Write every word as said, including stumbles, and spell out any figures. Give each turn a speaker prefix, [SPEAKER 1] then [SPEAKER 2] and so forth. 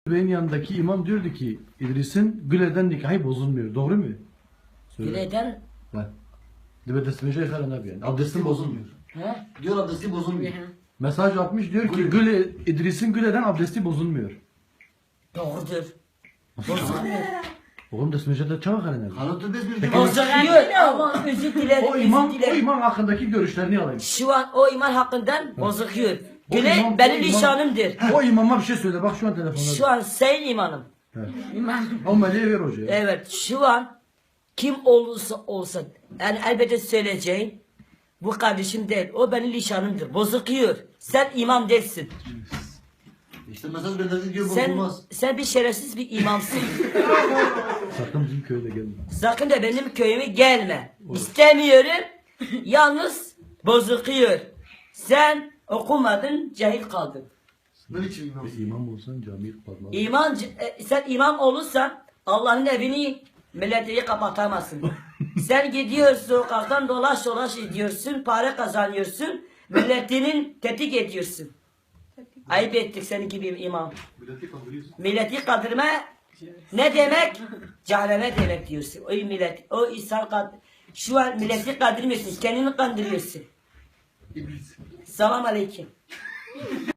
[SPEAKER 1] Benim yanındaki imam diyordu ki İdris'in Güle'den nikahı bozulmuyor. Doğru mu? Söyle.
[SPEAKER 2] Güle'den
[SPEAKER 1] Ha. Dibe desmece yıkarın abi yani. Abdestin bozulmuyor.
[SPEAKER 2] he?
[SPEAKER 3] Diyor abdesti bozulmuyor.
[SPEAKER 1] Mesaj atmış diyor ki
[SPEAKER 3] Güle.
[SPEAKER 1] Güle, İdris'in Güle'den abdesti bozulmuyor.
[SPEAKER 2] Doğrudur. Bozulmuyor.
[SPEAKER 1] Oğlum desmece de çabuk halinde.
[SPEAKER 3] Kanıtı biz bir
[SPEAKER 1] Peki.
[SPEAKER 2] Bozuluyor ama özür dilerim,
[SPEAKER 1] O
[SPEAKER 2] özür
[SPEAKER 1] imam, o
[SPEAKER 2] dilerim.
[SPEAKER 1] imam hakkındaki görüşlerini alayım.
[SPEAKER 2] Şu an o iman hakkından bozuluyor.
[SPEAKER 1] O
[SPEAKER 2] Güle
[SPEAKER 1] imam-
[SPEAKER 2] benim
[SPEAKER 1] o imam-
[SPEAKER 2] nişanımdır.
[SPEAKER 1] O imama bir şey söyle bak şu an telefonda.
[SPEAKER 2] Şu an sayın imanım.
[SPEAKER 1] Evet.
[SPEAKER 2] İman.
[SPEAKER 1] O meleği ver hocaya.
[SPEAKER 2] Evet, şu an kim olursa olsun, yani elbette söyleyeceğim, bu kardeşim değil, o benim nişanımdır, bozuluyor. Sen imam değilsin.
[SPEAKER 3] İşte mesaj gönderdi diyor
[SPEAKER 2] Sen,
[SPEAKER 3] bozulmaz.
[SPEAKER 2] sen bir şerefsiz bir imamsın.
[SPEAKER 1] Sakın bizim köyde gelme.
[SPEAKER 2] Sakın da benim köyüme gelme. İstemiyorum, yalnız bozuluyor. Sen okumadın, cahil kaldın.
[SPEAKER 3] Ne biçim imam?
[SPEAKER 1] Bir imam olsan camiyi kapatmaz.
[SPEAKER 2] İman, e, sen imam olursan Allah'ın evini milleti kapatamazsın. Sen gidiyorsun sokaktan dolaş dolaş ediyorsun, para kazanıyorsun, milletinin tetik ediyorsun. Ayıp ettik senin gibi bir imam.
[SPEAKER 3] Milleti kandırıyorsun.
[SPEAKER 2] Milleti kandırma ne demek? Cehenneme demek diyorsun. O millet, o insan kad şu an milleti kandırmıyorsun, kendini kandırıyorsun.
[SPEAKER 3] İblis.
[SPEAKER 2] Selam aleyküm.